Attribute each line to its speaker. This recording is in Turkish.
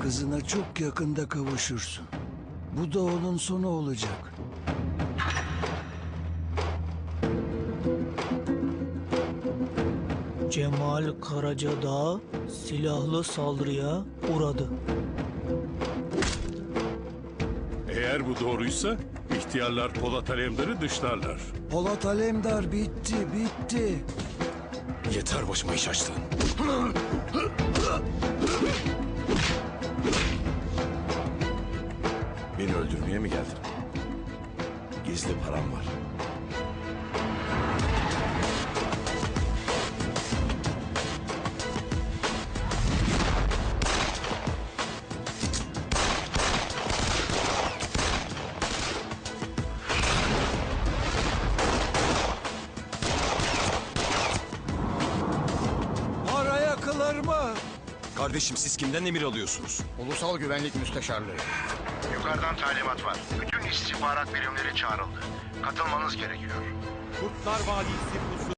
Speaker 1: kızına çok yakında kavuşursun. Bu da onun sonu olacak.
Speaker 2: Cemal Karacadağ silahlı saldırıya uğradı.
Speaker 3: Eğer bu doğruysa ihtiyarlar Polat Alemdar'ı dışlarlar.
Speaker 1: Polat Alemdar bitti.
Speaker 4: Yeter başıma iş açtın. Beni öldürmeye mi geldin? Gizli param var.
Speaker 1: Para yakılır mı?
Speaker 4: Kardeşim siz kimden emir alıyorsunuz?
Speaker 5: Ulusal Güvenlik Müsteşarlığı. Yukarıdan talimat var. Bütün istihbarat birimleri çağrıldı. Katılmanız gerekiyor.
Speaker 6: Kurtlar Vadisi